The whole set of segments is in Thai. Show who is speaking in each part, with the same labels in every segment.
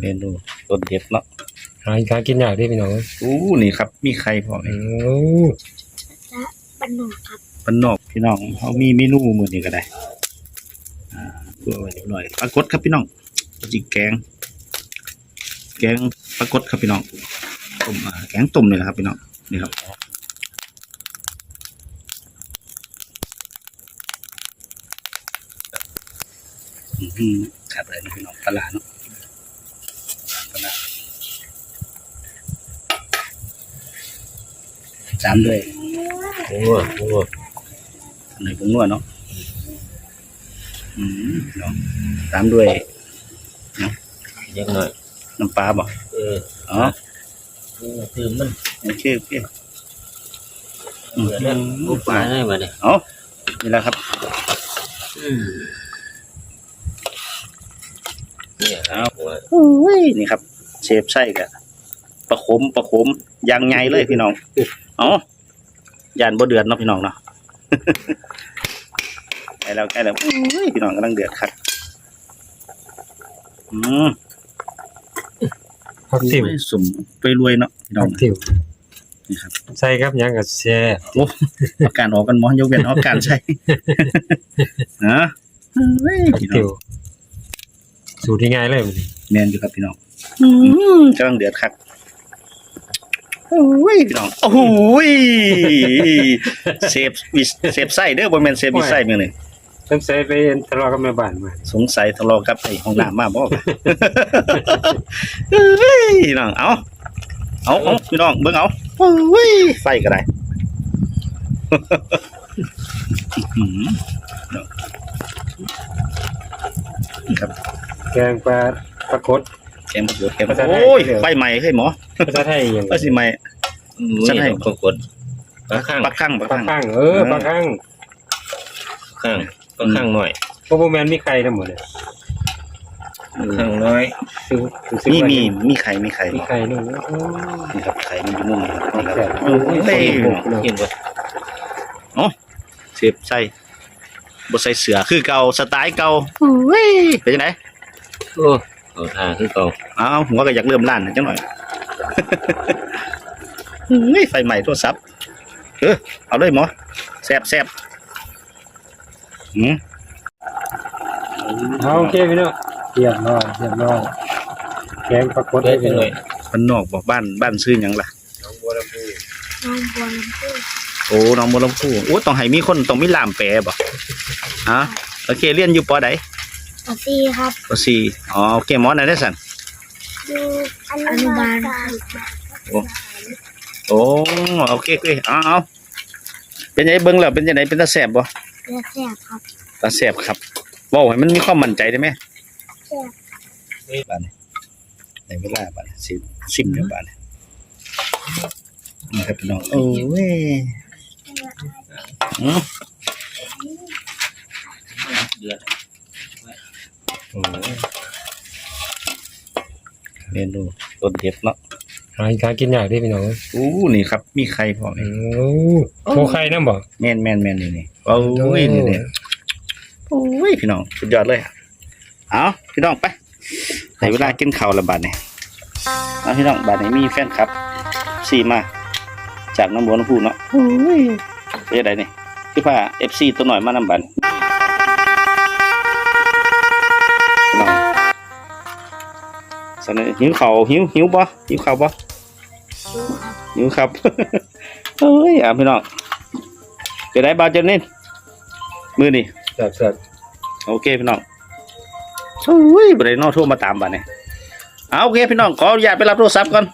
Speaker 1: เมนูต้นเด็ดเนาะ
Speaker 2: หากินยากดิพี่น้อง
Speaker 1: อู้นี่ครับมีไข่พอนี่
Speaker 3: และปนนอกครับ
Speaker 1: ปนนอกพี่น้องเขามีเมนูมื้อนี้ก็ได้เพื่อไว้เรียบร้อยปลากดครับพี่น้องจิกแกงปลากดครับพี่น้องต้มแกงต้มนี่แหละครับพี่น้องนี่ครับครับเลยนะพี่น้องปลาเนาะปลาจานด้วย
Speaker 2: โอ้
Speaker 1: ในผงนัวเนาะเนาะตามด้วยเนาะ
Speaker 2: ยังหน่อย
Speaker 1: น้ำปลาบ่อ๋อ
Speaker 2: คือมัน
Speaker 1: โอเค
Speaker 2: ลูกปลาได้มาเนี่ย
Speaker 1: อ๋อนี่แหละครับ
Speaker 2: นี่ครับ
Speaker 1: นี่ครับเชฟไส้กับประคมยางไงเลยพี่น้องอ๋อยานบ่เดือดเนาะพี่น้องเนาะใกล้แล้วพี่น้องกำลังเดือดครับ
Speaker 2: ผักติ๋ว
Speaker 1: สุ่มไปรวยเนาะพี่น้อง
Speaker 2: ติ๋ว
Speaker 1: นี่ครับ
Speaker 2: ใส่ครับยังกับแช่
Speaker 1: โอ้อาการออกกันหมอยกเว้นอาการใช่นะ
Speaker 2: ติ๋วสูตรที่ง่ายเลย
Speaker 1: แมนอยู่ครับพี่น้องกำลังเดือดครับโอ้ยพี่น้องโอ้โหเซฟไส้เด้อบนแมนเซฟมีไส้เมื่อไหร่
Speaker 2: ต้องใส่ไปทะเลาะกับแม่บ้านมา
Speaker 1: สงสัยทะเลาะกับไอ้ห้องน้ำมาบ่พี่น้องเอาพี่น้องเบิ่งเอาไฟก็ได้ครับ
Speaker 2: แกงปลากด
Speaker 1: แกงปลากดโอ้ยไฟใหม่เฮ้ยหมอ
Speaker 2: ภาษาไทยยัง
Speaker 1: ไฟสิใหม่
Speaker 2: ภาษาไทยปลากดปลาข้าง
Speaker 1: ปลาข้าง
Speaker 2: ปลาข้างปลาข้างหน่อยเพราะโบแมนมีใครทั้งหมดเลยข้างน้อย
Speaker 1: มีไข่
Speaker 2: มีไข่นู่น
Speaker 1: นี่ครับไข่มันอยู่นู่นนี่ครับเห็นป่ะอ๋อเสียบใส่บดใส่เสือคือเก่าสไตล์เก่าเป็นยังไง
Speaker 2: เอาทาคือเก่า
Speaker 1: หัวก็อยากเริ่มล้านจังหน่อยไฟใหม่โทรศัพท์เอาเลยหมอแซ่บ
Speaker 2: โอเคพี่น้องเรียบร้อยแกงปลากดได้ไปเลย
Speaker 1: มันนอกบอกบ้านซื้อยังล่ะ
Speaker 3: น้องบัวลำพู
Speaker 1: โอ้น้องบัวลำพูโอ้ต้องให้มีคนต้องมีล่ามแปลบ่โอเคเรียนอยู่ปอใด
Speaker 3: ปอซีครับ
Speaker 1: ปอซีโอเคหมอไหนได้สั่น
Speaker 3: อยู่อนุบาล
Speaker 1: โอ้โอเคเอาเป็นยังไงเบิ้งแล้วเป็นยังไงเป็นตาแสบบ่
Speaker 3: ตาแสบครับ
Speaker 1: ตาแสบครับบอกให้มันมีความมั่นใจได้ไหม
Speaker 3: แสบ
Speaker 1: บ้านในเวลาบ้านสิบเดือนบ้านนี่ครับพี่น้องโอ้ยเดือดเมนูต้นเด็ดเนาะ
Speaker 2: หากินยากดิพี่น้อง
Speaker 1: นี่ครับมีไข่พอ
Speaker 2: โคไข่น้ำบ่
Speaker 1: แม่นนี่โอ้ยนี่โอ้ยพี่น้องสุดยอดเลยเอาพี่น้องไปในเวลากินข้าวละบาทเนี่ยพี่น้องบาทนี้มีแฟนครับมาจากน้ำบัวน้ำพุเนาะเป็นอะไรนี่พี่ผ้า FC ตัวหน่อยมานำบันสนหิวเข่าหิวบ่หิวเข่าบ่หิวครับเฮ้ยพี่น้องเป็นไรบ้าเจนนี่มือนี่
Speaker 2: แซ่บ
Speaker 1: โอเคพี่น้องบริโนโทรมาตามบ้านเนี่ยโอเคพี่น้องขออนุญาตไปรับโทรศัพท์ก่อน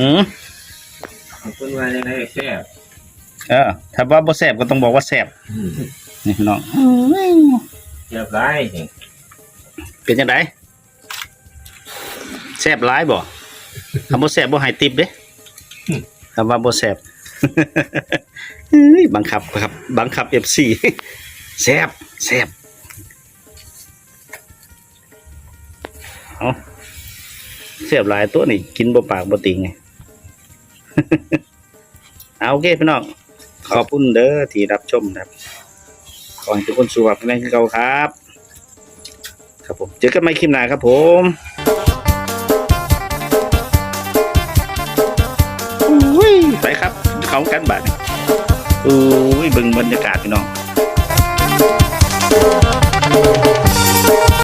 Speaker 2: คุณว่ายังไงแซ่บ
Speaker 1: ถ้าว่าบ่แซ่บก็ต้องบอกว่าแซ่บนี่พี่น้อง
Speaker 2: แซ่บร้าย
Speaker 1: เป็นยังไงแซ่บร้ายบ่คำว่าแซ่บบ่หายติบเด้คำว่าบ่แซ่บบังคับ FC แซ่บเสียบหลายตัวนี่กินบ่ปากบ่ติงไงโอเคพี่น้องขอบคุณเด้อที่รับชมครับขอให้ทุกคนสุขภาพแข็งแรงเก่าครับผมเจอกันใหม่คลิปหน้าครับผมเขากันบาดโอ้ยเบิ่งบรรยากาศพี่น้อง